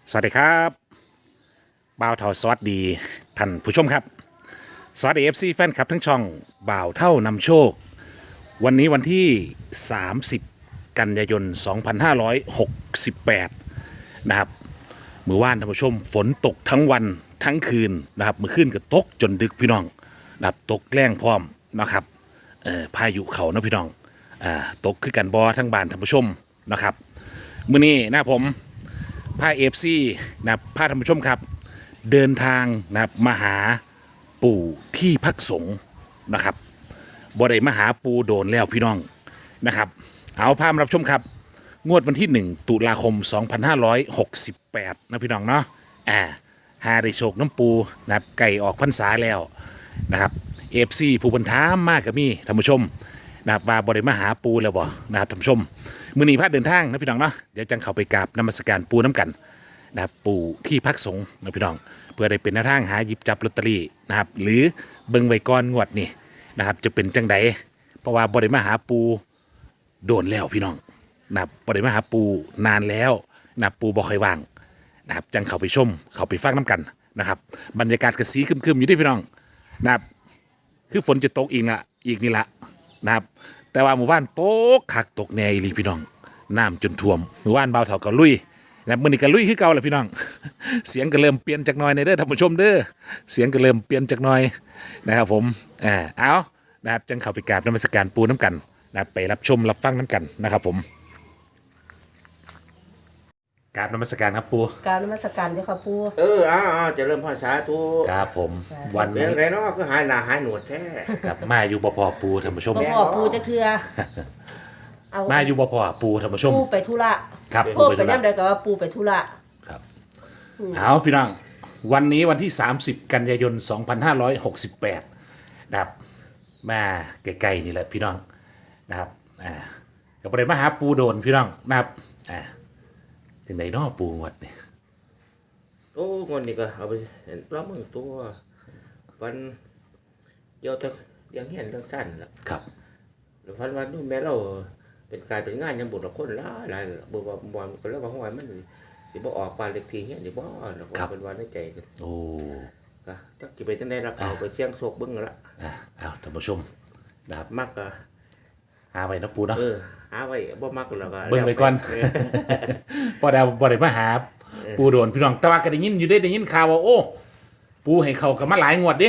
สวัสดีครับบ่าวเท่าสวัสดีท่านผู้ชมครับสวัสดีFCแฟนคลับทั้งช่องบ่าวเท่านำโชควันนี้วันที่ 30 กันยายน 2568 นะครับมือว่านท่านผู้ชมฝนตกทั้งวันทั้งคืนนะครับมือขึ้นก็ตกจนดึกพี่น้องนะครับตกแรงพร้อมนะครับพายุเขานะพี่น้องตกคือกันบอทั้งบ้านท่านผู้ชมนะครับมื้อนี้นะผมพาFCนะครับพาท่านผู้ชมครับเดินทางนะครับมาหาปู่ที่พักสงฆ์นะครับบ่ได้มาหาปู่โดนแล้วพี่น้องนะครับเอาพามารับชมครับงวดวันที่ 1 ตุลาคม 2568นะพี่น้องเนาะหาได้โชคน้ำปูนะครับไก่ออกพรรษาแล้วนะครับFCผู้บรรทามมากกับมีท่านผู้ชมนะครับว่าบ่ได้มาหาปูแล้วบ่นะครับท่านผู้ชมมื้อนี้พาเดินทางนะพี่น้องเนาะเดี๋ยวจังเข้าไปกราบนมัสการปูน้ำกันนะครับปู่ที่พักสงฆ์นะพี่น้องเพื่อได้เป็นแนวทางหาหยิบจับลอตเตอรี่นะครับหรือเบิ่งไว้ก่อนงวดนี่นะครับจะเป็นจังใดเพราะว่าบ่ได้มาหาปูโดนแล้วพี่น้องนะครับบ่ได้มาหาปูนานแล้วนะครับปูบ่ค่อยว่างนะครับจังเข้าไปชมเข้าไปฟังน้ำกันนะครับบรรยากาศกระสีครึมๆอยู่ด้วยพี่น้องนะครับคือฝนจะตกอีกนี่ละนะครับแต่ว่าหมู่บ้านตกคักตกแน่อีหลีพี่น้องน้ำจนท่วมหมู่บ้านเบาเถาก็ลุยนะมื้อนี้ก็ลุยคือเก่าแหละพี่น้อง เสียงก็เริ่มเปลี่ยนจากหน่อยในเด้อท่านผู้ชมเด้อเสียงก็เริ่มเปลี่ยนจากหน่อยนะครับผมเอานะครับจังเข้าไปกราบนมัสการปูน้ำกันนะครับไปรับชมรับฟังน้ำกันนะครับผมกราบนมัสการครับปูกรารนมัสการเจ้าค่ะปู่จะเริ่มภาษาตัวครับผมวันเรื่นี้องไรเนาะก็หายหน้าหายหนวดแท้กับมาอยู่บ่พอปูท่านผู้ชมบ่พ่อปู่จะเทื่อเอามาอยู่บ่พอปูท่านผู้ชมปู่ไปธุระครับพ่อไปไปธุระย่ำใดก็ว่าปู่ไปธุระครับเอาพี่น้องวันนี้วันที่ 30 กันยายน 2568นะครับมาใกล้ๆนี่แหละพี่น้องนะครับกับประเด็นมาหาปูโดนพี่น้องนะครับถึงไหนนอปูงวดนี่โอ้เงินนี่ก็เอาไปเห็นปลาหมึกตัววันเดียวแต่ยังเห็นเรื่องสั้นละครับแล้ววันนู้นแม่เราเป็นการเป็นงานยังบุญละคนละหลายบุญว่าบุญก็แล้วว่าห้อยมันสิบ่ออกปานเล็กทีเงี้ยสิบ่แล้วก็เป็นวันในใจกันโอ้ก็จักสิไปจังได๋ล่ะเอาไปเสี่ยงโชคเบิ่งละเอาท่านผู้ชมนะครับมักก็หาไว้นะปูเนาะหาไว้บ่มักแล้วก็เบิ่งไว้ก่อน พอดาวบ่ได้มาหาปูโดนพี่น้องแต่ว่าก็ได้ยินอยู่ได้ยินข่าวว่าโอ้ปูให้เขากับมาหลายงวดดิ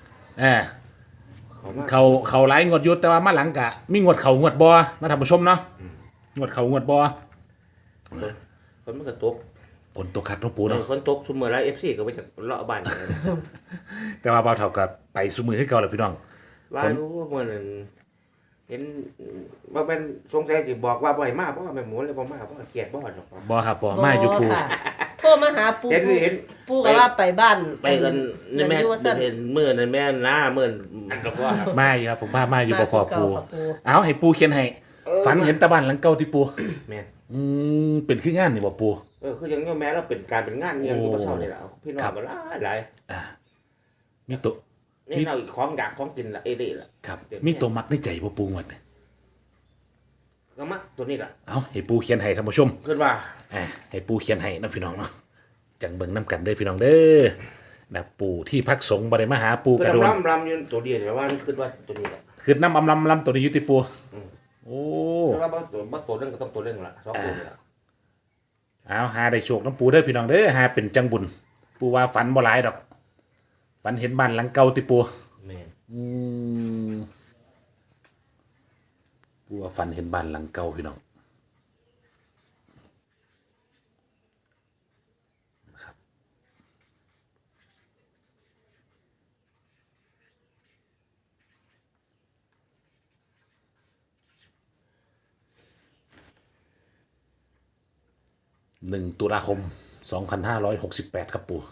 เขาหลายงวดอยู่แต่ว่ามาหลังกะมีงวดเขางวดบ่นะท่านผู้ชมเนาะงวดเขางวดบ่ฝนมันก็ตกฝนตกคักเนาะปูเนาะฝนตกซุมื้อละ FC ก็ไปจากเลาะบ้านแต่ว่าเบาเท่ากับไปซุมือให้เก่าแล้วพี่น้องว่ารู้ว่ามื้อนั้นเห็นว่าเป็นสงสัยสิบอกว่าบ่ให้มาเพราะว่าแม่หมูเลยบ่มาเพราะว่าเครียดบ่หรอกบ่ครับบ่มาอยู่ปูค่ะโทรมาหาปู่เห็นปู่ก็ว่าไปบ้านไปกันนี่แม่อยู่ว่าซั่นเห็นมื้อนั้นแม่หน้ามื้ออันก็ว่าครับมาอยู่ครับผมมาอยู่บ่พอปูมาคือเก่าครับปู่เอาให้ปูเขียนให้ฝันเห็นตะบ้านหลังเก่าที่ปูแม่นเป็นคืองานนี่บ่ปูคือยังแม่เราเป็นการเป็นงานยังอยู่บ่เช้านี่ล่ะพี่น้อครังบก็หลายมีตัวนี่เราของอยากของกินละเอเด้ล่ะครับมีตัวมักในใจบ่ปูงวดนี่ก็มักตัวนี้ล่ะเอาให้ปูเขียนให้ท่านผู้ชมคิดว่าให้ปูเขียนให้นะพี่น้องเนาะจังเบิ่งน้ำกันเด้อพี่น้องเด้อนะปู่ที่พักสงฆ์บ่ได้มาหาปูคือกระโดนลำอยู่ตัวเดียวแต่ว่าคิดว่าตัวนี้ล่ะคือน้ำอำลำตัวนี้อยู่ติปูโอ้คิดว่าบ่ตัวเรื่องก็ต้องตัวเรื่องล่ะ2ตัวนี่ล่ะเอาหาได้โชคน้ำปูเด้อพี่น้องเด้อหาเป็นจังบุญปูว่าฝันบ่หลายดอกฝันเห็นบ้านหลังเก่าติปูแม่นปูว่าฝันเห็นบ้านหลังเก่าพี่น้องนะครับ1 ตุลาคม 2568ครับปู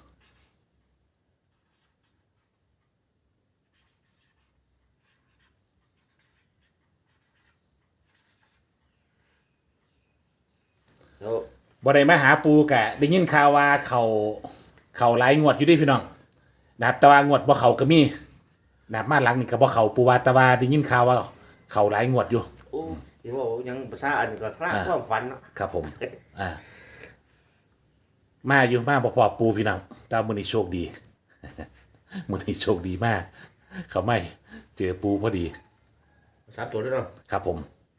แล้วบ่ได้มาหาปูกะได้ยินข่าวว่าเขาหลายงวดอยู่เดิพี่น้องนะครับแต่ว่างวดบ่เขาก็มีนะครับมาหลังนี่ก็บ่เขาปูว่าแต่ว่าได้ยินข่าวว่าเขาหลายงวดอยู่โอ้ที่ว่ายังภาษาอันก็คลาดความฝันเนาะครับผมมาอยู่มาบ่พอปูพี่น้องแต่มื้อนี้โชคดี มื้อนี้โชคดีมาก เขาไม่เจอปูพอดี 3 ตัวด้วยเนาะครับผม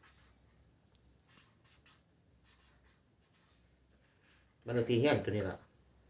บ้านเลขที่เฮียนตัวนี้ล่ะ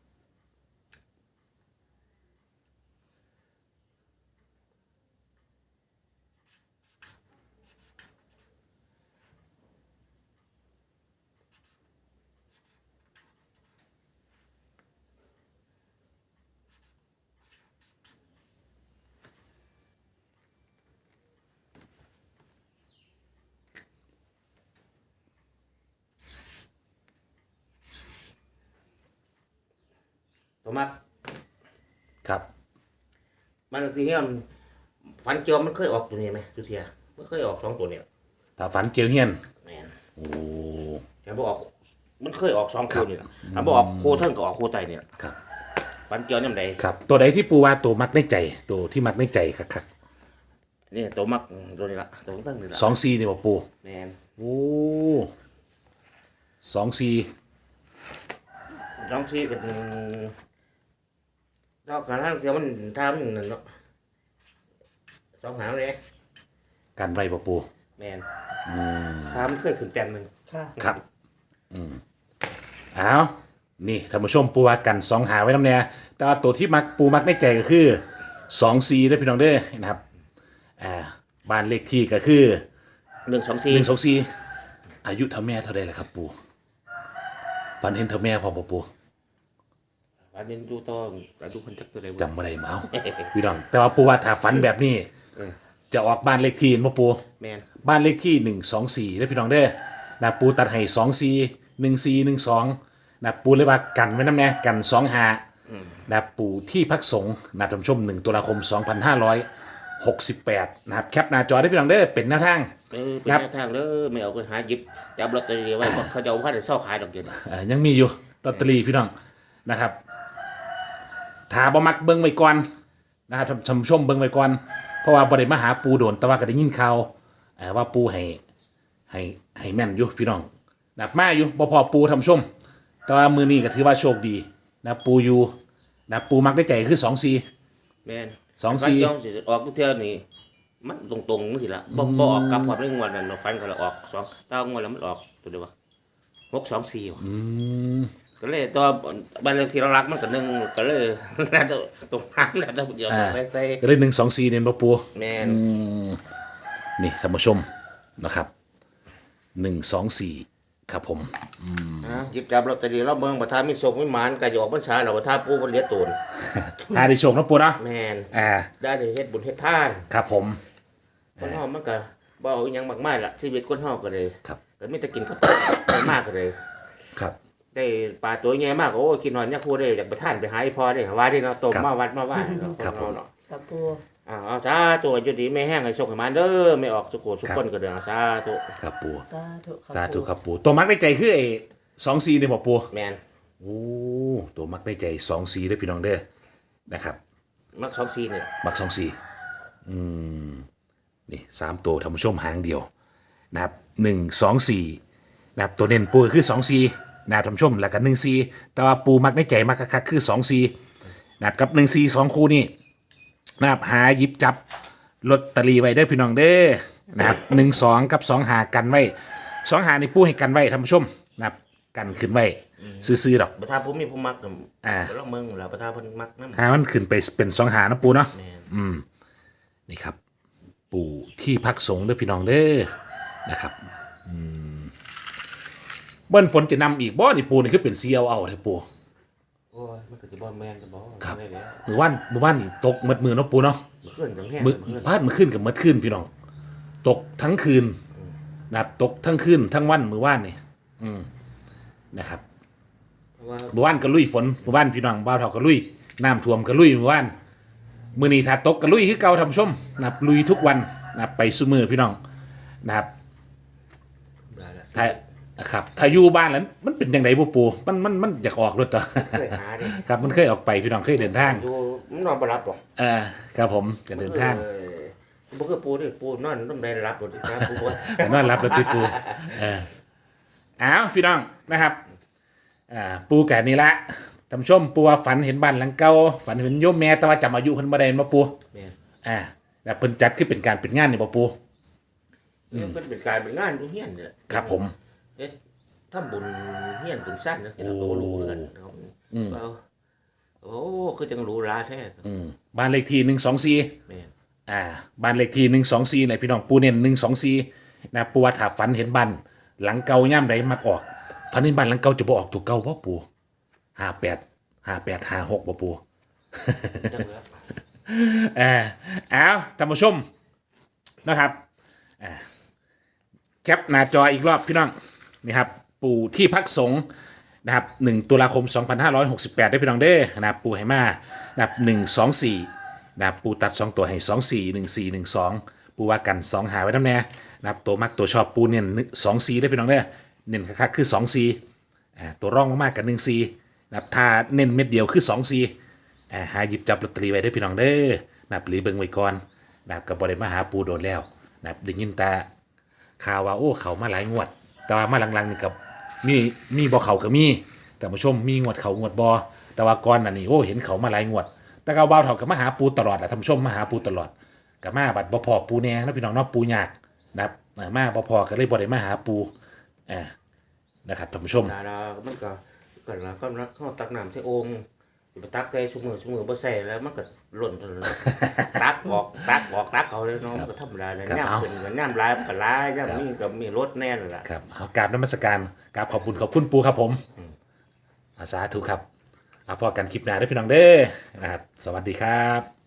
ตัวมักครับบ้านเลขที่เฮียนฝันเจียวมันเคยออกตัวนี้ไหมทุกเทียมันเคยออก2 ตัวเนี่ยถ้าฝันเกี่ยวเฮียนแม่นโอ้แต่บ่ออกมันเคยออก2 คู่นี่ล่ะถ้าบ่ออกคู่เทิงก็ออกคู่ไตนี่ล่ะครับฝันเจียวยามใดครับ ตัวใดที่ปูว่าตัวมักในใจตัวที่มักในใจคักนี่ตัวมักตัวนี้ล่ะตัวตั้งนี่ล่ะๆ2-4นี่บ่ปูแม่นโอ้2-4 2 4ก็ดอกกันทางเดียวมันทำนั่นเนาะ2 หางเลยกันไว้บ่ปูแม่นทำเคยขึ้นแต้มหนึงค่ะครับอ้าวนี่ท่านผู้ชมปูว่ากัน2หาไว้นำแน่แต่ว่าตัวที่มักปูมักในใจก็คือ2-4เด้อพี่น้องเด้อนะครับบ้านเลขที่ก็คือ 1 2 4 124อายุเท่าแม่เท่าใดล่ะครับปูฝันเห็นเท่าแม่พร้อมบ่ปูอันนี้ดูต่อดูคนจักตัวใดบ่จำบ่ได้มาเอาพี่น้องแต่ว่าปูว่าถ้าฝันแบบนี้ จะออกบ้านเลขที่บ่ปูแม่นบ้านเลขที่124เด้อพี่น้องเด้อนะปูตัดให้24 1412นะปูเลยว่ากันไว้นำแน่กัน25นะปูที่พักสงฆ์นะท่านผู้ชม1ตุลาคม2568นะครับแคปหน้าจอได้พี่น้องเด้อเป็นแนวทางเป็นครับแนวทางเด้อไม่เอาไปหาหยิบจับลอตเตอรี่ไว้เพราะเขาจะเอาพันเศร้าขายดอกเดียวนี่ยังมีอยู่ลอตเตอรี่พี่น้องนะครับถ้าบ่มักเบิ่งไว้ก่อนนะครับท่านผู้ชมเบิ่งไว้ก่อนเพราะว่าบ่ได้มาหาปูโดนแต่ว่าก็ได้ยินข่าวว่าปูให้แม่นอยู่พี่น้องนะครับมาอยู่บ่พอปูท่านผู้ชม แต่ว่ามื้อนี้ก็ถือว่าโชคดีนะปูอยู่นะปูมักได้ใจคือ24 แม่น 2-4 ฟันจ้องสิออกทุกเที่ยวนี่มันตรงๆนี่สิละบ่ออกกลับความในงวดนั้นเราฟันก็เลยออก2ตางวดแล้วมันออกตัวเดียวว่า624ว่ะก็เลยตัวบ้านเลขที่เรารักมันก็1ก็เลยน่าจะตรงน้ำน่าจะเดียวไปใส่ก็ได้124เนี่ยบ่ปูแม่นนี่ท่านผู้ชมนะครับ124ครับผมหยิบจับลอตเตอรี่เราเบิ่งประธานมีโชคมีหมานก็จะออกพรรษาแล้วประธานปู่เพิ่นเหลียตูนได้โชคนะปูเนาะแม่นอ่าได้เฮ็ดบุญเฮ็ดทานครับผมคนเฮามันก็บ่เอาอิหยังมากมายล่ะชีวิตคนเฮาก็เลยครับก็มีแต่กินข้าวได้มากก็เลยครับได้ปลาตัวใหญ่มากโอ้กินนอนเนี่ยครูได้อยากไปท่านไปหาไอ้พ่อได้ว่าได้เนาะต้มครับมาวัดมาว่าเนาะครับผมเนาะกับปูเอาสาธุอยู่ดีไม่แห้งให้สุขให้มันเด้อไม่ออกสุโขสุขคนก็เด้อสาธุครับปูสาธุสาธุครับปูตัวมักได้ใจคือไอ้24เนี่ยบ่ปูแม่นโอ้ตัวมักได้ใจ24เด้อพี่น้องเด้อนะครับมัก24นี่มักนี่3ตัวท่านผู้ชมหางเดียวนะครับ124นะครับตัวเน้นปูก็คือ24นะครับท่านผู้ชมแล้วก็14แต่ว่าปูมักในใจมักคักๆคือ24นะครับกับ14 2คู่นี่นะครับหาหยิบจับลอตเตอรี่ไว้ได้อพี่น้องเด้อนะครับ12กับ2หากันไว้2หานี่ปูให้กันไว้ท่านผู้ชมนะครับกันขึ้นไว้ซื้อๆดอกประธานผู้มีผู้มักก็อ่าลองเมืองแล้วประธานเพิ่นมักนำหามันขึ้นไปเป็น2หานะปูเนาะแม่นนี่ครับ ปู่ที่พักสงฆ์เด้อพี่น้องเด้อนะครับเบิ้ลฝนจะนำอีกบ่นี่ปูนี่คือเป็นเซียวเอาเด้อปูโอ้ยมันก็สิบ่แม่นจะบ่ครับได้แล้วมือว่านนี่ตกหมดมือเนาะปูเนาะมื้อคืนจังแห้งมือมื้อคืนพาดมือขึ้นกับมืดขึ้นพี่น้องตกทั้งคืนนะครับตกทั้งคืนทั้งวันมือว่านนี่นะครับเพราะว่ามือว่านก็ลุยฝนมือว่านพี่น้องบ้าวเฒ่าก็ลุยน้ำท่วมก็ลุยมือว่านมือนี้ถ้าตกก็ลุยคือเก่าท่านผู้ชมนะครับลุยทุกวันนะครับไปซุมือพี่น้องนะครับได้ละถ้าครับถ้าอยู่บ้านแล้วมันเป็นยังไงปูปูมันอยากออกรถต่อเคยหาดิครับมันเคยออกไปพี่น้องเคยเดินทางอยู่มันนอนบ่หลับหรอกครับผมจะเดินทางบ่คือปูดิปูนอนต้องได้รับบ่ดิครับปูบ่แต่นอนรับรถติปูอ้าวพี่น้องนะครับปูแก่นี่ละท่านผู้ชมปูว่าฝันเห็นบ้านหลังเก่าฝันเห็นโยมแม่แต่ว่าจำอายุเพิ่นบ่ได้มาปูแม่นแล้วเพิ่นจัดคือเป็นการเป็นงานนี่บ่ปูเนี่ยมันเป็นการเป็นงานอยู่เฮียนเนี่ยครับผมเฮ็ดทำบุญเฮียนบุญสั้นนะเราก็รู้กันเอาเอาโอ้คือจังรู้ราแท้บ้านเลขที่124 แม่นบ้านเลขที่124เลยพี่น้องปูเน้น124นะปูว่าถ้าฝันเห็นบ้านหลังเก่าย่ำใดมักออกฝันเห็นบ้านหลังเก่าจะบ่ออกตัวเก่าบ่ปู58 56บ่ปูจังแล้วเอาท่านผู้ชมนะครับแคปหน้าจออีกรอบพี่น้องนี่ครับปู่ที่พักสงฆ์นะครับ1ตุลาคม 2568ได้พี่น้องเด้อนะครับปู่ให้มานะครับ124นะครับปู่ตัด2ตัวให้241412ปู่ว่ากัน2หาไว้น้ำแน่นะครับตัวมักตัวชอบปู่เน้น24ได้พี่น้องเด้อเน้นคักๆคือ24ตัวร่องมากๆกับ14นะครับถ้าเน้นเม็ดเดียวคือ24หาหยิบจับลอตเตอรี่ไว้ได้พี่น้องเด้อนะครับหรือเบิ่งไว้ก่อนนะครับกับบริมาหาปูโดนแล้วนะครับได้ยินแต่ข่าวว่าโอ้เขามาหลายงวด แต่ว่ามาหลังๆนี่กับมีบ่เขาก็มีแต่ผู้ชมมีงวดเขางวดบ่แต่ว่าก่อนอันนี้โอ้เห็นเขามาหลายงวด แต่ก็บ่าวเฒ่ากับมาหาปูตลอดแหละท่านผู้ชมมาหาปูตลอดกับมาบัดบ่พอปูแนงนะพี่น้องเนาะปูยากนะครับมาบ่พอก็เลยบ่ได้มาหาปูนะครับท่านผู้ชมดามันก็ละเขาตักน้ำใส่โอ่งไปตักได้ชั่วโมงบ่ใส่แล้วมันก็หล่นตักออกเอาเลยน้องก็ธรรมดาเลยน้ำขึ้นก็น้ำลายมันก็ลายย่ำนี่ก็มีรสแน่นล่ะครับเอากราบนมัสการกราบขอบคุณปูครับผมสาธุครับเอาพอกันคลิปหน้าได้อพี่น้องเด้อนะครับสวัสดีครับ